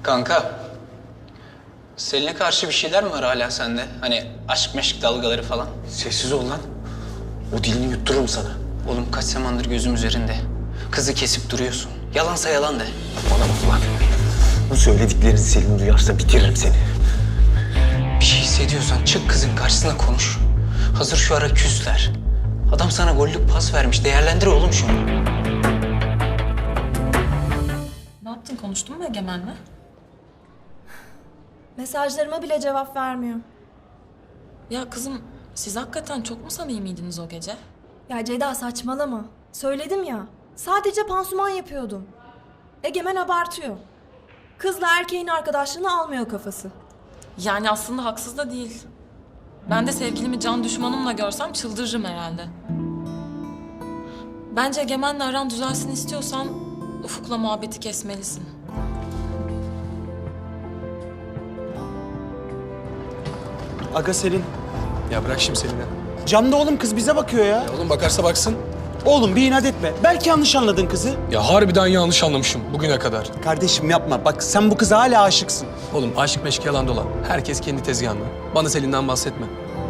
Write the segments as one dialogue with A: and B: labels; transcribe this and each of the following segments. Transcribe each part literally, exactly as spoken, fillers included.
A: Kanka, Selin'e karşı bir şeyler mi var hala sende? Hani aşk meşk dalgaları falan.
B: Sessiz ol lan. O dilini yuttururum sana.
A: Oğlum kaç zamandır gözüm üzerinde. Kızı kesip duruyorsun. Yalansa yalan de.
B: Bana bak lan. Bu söylediklerini Selin duyarsa bitiririm seni.
A: Bir şey hissediyorsan çık kızın karşısına konuş. Hazır şu ara küsler. Adam sana gollük pas vermiş. Değerlendir oğlum şunu.
C: Ne yaptın? Konuştun mu Egemen'le?
D: Mesajlarıma bile cevap vermiyor.
C: Ya kızım, siz hakikaten çok mu samimiydiniz o gece?
D: Ya Ceyda saçmalama. Söyledim ya. Sadece pansuman yapıyordum. Egemen abartıyor. Kızla erkeğin arkadaşlığını almıyor kafası.
C: Yani aslında haksız da değil. Ben de sevgilimi can düşmanımla görsem çıldırırım herhalde. Bence Egemen'le aran düzelsin istiyorsan Ufuk'la muhabbeti kesmelisin.
E: Aga Selin.
F: Ya bırak şimdi Selin'i.
E: Camda oğlum kız bize bakıyor ya.
F: Ya oğlum bakarsa baksın.
E: Oğlum bir inat etme. Belki yanlış anladın kızı.
F: Ya harbiden yanlış anlamışım bugüne kadar.
E: Kardeşim yapma. Bak sen bu kıza hala aşıksın.
F: Oğlum aşk meşk yalan dolan. Herkes kendi tezgahında. Bana Selin'den bahsetme.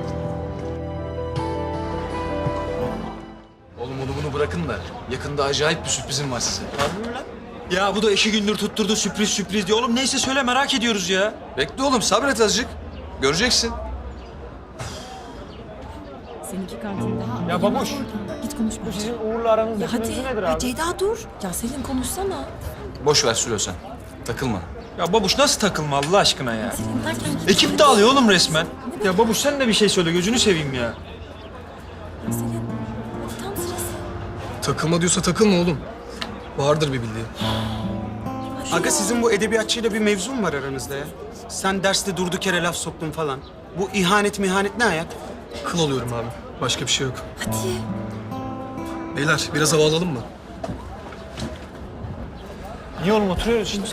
F: Oğlum onu bunu bırakın da yakında acayip bir sürprizim var size.
G: Ya bu da iki gündür tutturdu sürpriz sürpriz diyor. Oğlum neyse söyle merak ediyoruz ya.
F: Bekle oğlum sabret azıcık. Göreceksin.
C: Seninki kantinde.
E: Ya babuş.
C: Git konuş.
E: Bu sizin Uğur'la aranızdaki
C: Ya hadi.
E: mevzu nedir
D: Ya
E: abi?
D: Ceyda dur.
C: Ya Selin konuşsana.
F: Boş ver Sülo sen. Takılma.
G: Ya babuş nasıl takılma Allah aşkına ya.
C: Selin derken git
G: Ekip
C: konuş.
G: dağılıyor oğlum resmen. Ya babuş sen de bir şey söyle gözünü seveyim ya.
C: Ya Selin, hadi tam sırası.
F: Takılma diyorsa takılma oğlum. Vardır bir bildiği.
C: Ya şu
E: Aga
C: ya.
E: sizin bu edebiyatçıyla bir mevzu mu var aranızda ya? Sen derste durduk yere laf soktun falan. Bu ihanet mihanet ne ayak?
F: Kıl oluyorum abi. Başka bir şey yok.
C: Hadi.
F: Beyler biraz hava alalım mı?
E: Niye oğlum oturuyoruz şimdi?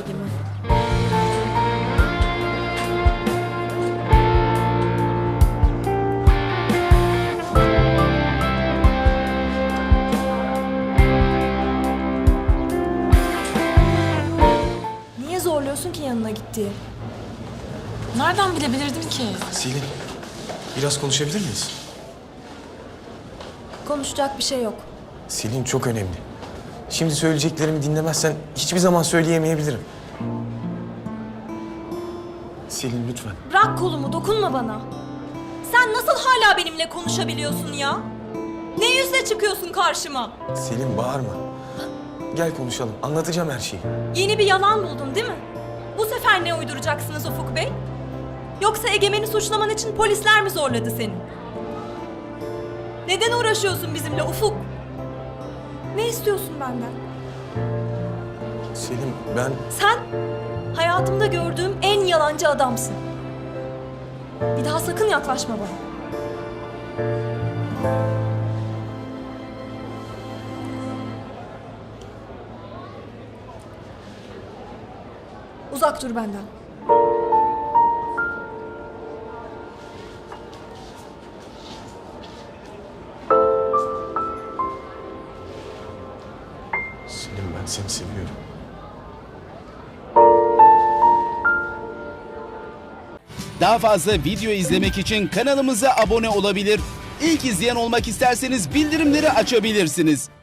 D: Niye zorluyorsun ki yanına gittiği?
C: Nereden bilebilirdim ki?
B: Selin, biraz konuşabilir miyiz?
D: Konuşacak bir şey yok.
B: Selin çok önemli. Şimdi söyleyeceklerimi dinlemezsen hiçbir zaman söyleyemeyebilirim. Selin lütfen.
D: Bırak kolumu, dokunma bana. Sen nasıl hala benimle konuşabiliyorsun ya? Ne yüzle çıkıyorsun karşıma?
B: Selin bağırma. Gel konuşalım. Anlatacağım her şeyi.
D: Yeni bir yalan buldun değil mi? Bu sefer ne uyduracaksınız Ufuk Bey? Yoksa Egemen'i suçlaman için polisler mi zorladı seni? Neden uğraşıyorsun bizimle Ufuk? Ne istiyorsun benden?
B: Selin ben...
D: Sen hayatımda gördüğüm en yalancı adamsın. Bir daha sakın yaklaşma bana. Uzak dur benden.
B: Selin ben seni seviyorum.
H: Daha fazla video izlemek için kanalımıza abone olabilir. İlk izleyen olmak isterseniz bildirimleri açabilirsiniz.